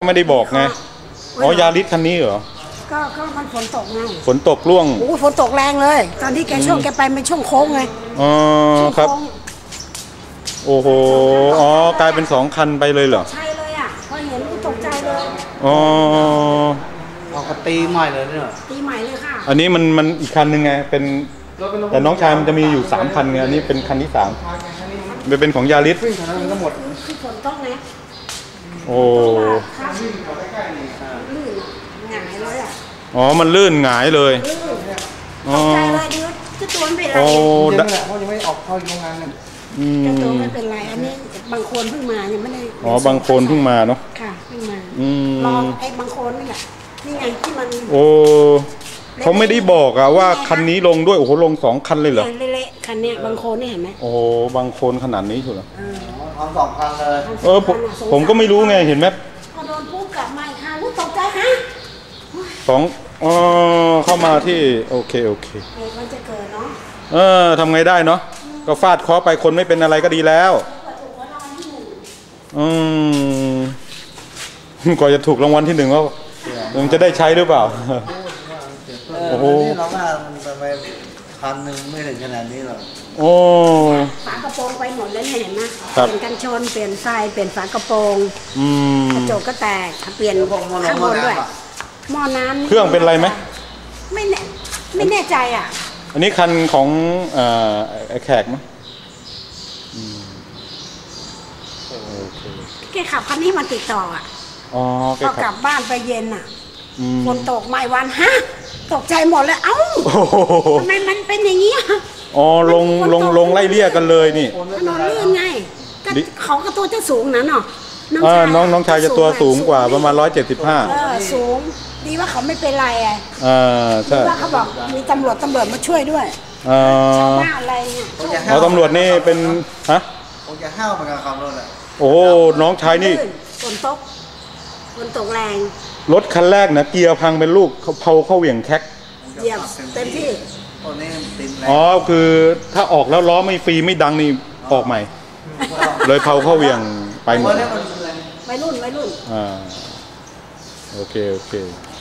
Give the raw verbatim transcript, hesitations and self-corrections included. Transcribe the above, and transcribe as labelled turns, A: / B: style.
A: ไม่ได้บอกไงอ๋อยาริสคันนี้เหรอ
B: ก็ก็มันฝนตกไง
A: ฝนตกร่วง
B: โอ้ฝนตกแรงเลยตอนที่แกช่วงแกไปเป็นช่วงโค้งไง
A: อ๋อครับโอ้โหอ๋อกลายเป็นสองคันไปเลยเหรอ
B: ใช่เลยอ่ะพอเห็นก็ตกใจเลย
A: อ๋อ
C: เอากระตีใหม่เลยเนี่ย
B: ตีใหม่เลยค่ะ
A: อันนี้มันมันอีกคันหนึ่งไงเป็นแต่น้องชายมันจะมีอยู่สามคันไงอันนี้เป็นคันที่สามมันเป็นของยาริส
C: ทั้งหมด
B: คือฝนตกไง
A: โอ้
B: ลื่นหงายเลยอ่ะ
A: อ๋อมันลื่นหงายเลย
B: ตกใจเลยดิจะตัวไม่เป็นไร
C: ยังแหละเพราะยังไม่ออกเข้าโรงงานเนี่ย
B: จะตัวไม่เป็นไรอันนี้บางคนเพิ่งมายังไม่ได้
A: อ๋อบางคนเพิ่งมาเนาะ
B: ค่ะเพิ่งมาลองไอ้บางคนนี่แหละนี่ไงที่มัน
A: โอ้เขาไม่ได้บอกอะว่าคันนี้ลงด้วยโอ้โหลงสองคันเลยเหรอ
B: เละๆคันเนี้ยบางคนนี่เห็นไหม
A: โอ้บางคนขนาดนี้ถูกเหรอ
C: ทำสองคันเลย
A: เออผมผมก็ไม่รู้ไงเห็นไหม
B: พอโดนปุ๊บกลับมาค่ะรู้ตกใจฮะ
A: สองอ๋อเข้ามาที่โอเคโอเค
B: มันจะเกิดเนาะ
A: เออทำไงได้เนาะก็ฟาดเคาะไปคนไม่เป็นอะไรก็ดีแล้วอืมก่อนจะถูกรางวัลที่หนึ่งก็มันจะได้ใช้หรือเปล่า
C: โอ้โหเราว่ามันไปพันหนึ่งไม่ถึงขนาดนี้หรอก
A: โอ้
B: ฝากระโปรงไปหมดเลยเห็นไหมเปลี่ยนกันชนเปลี่ยนไฟเปลี่ยนฝากระโปรงกระจกก็แตกเปลี่ยนข้างบนด้วยหม้อน้ำ
A: เครื่องเป็นไรไหม
B: ไม่แน่ไม่แน่ใจอ่ะ
A: อันนี้คันของไอ้แขกมั้ย
B: แกขับคันนี้มาติดต่ออ่ะ
A: อ๋อ
B: พอกลับบ้านไปเย็นอ่ะฝนตกไม่วันฮะตกใจหมดเลยเอ้าทำไมมันเป็นอย่างนี้
A: อ๋อลงลงลงไล่เลี่ยกันเลยนี่
B: ถนนลื่นไงเขาก็ตัวจะสูงนะเนาะ
A: น้องน้องชายจะตัวสูงกว่าประมาณร้อยเจ็ดสิบห้า
B: สูงดีว่าเขาไม่เป็นไรไง
A: อ่าใช่
B: ว่าเขาบอกมีตำรวจตำรวจมาช่วยด้วย
A: อ่า
B: อะไรเนี่ย
A: เอาตำรวจนี่เป็นฮะ
C: คงจะห้าวเหมือนกันครับรถอ่ะ
A: โอ้น้องชายนี่
B: ฝนตกฝนตกแรง
A: รถคันแรกนะเกียร์พังเป็นลูกเขาเผาเข้าเหวี่ยงแคก
B: เหยียบเต็มที่
C: ตอนนี้ติดแรง
A: อ๋อคือถ้าออกแล้วล้อไม่ฟรีไม่ดังนี่ออกใหม่เลยเผาเข้าเหวี่ยงไปหมด
B: ไม่รุ่นไม่รุ่น
A: อ่าโอเคโอเค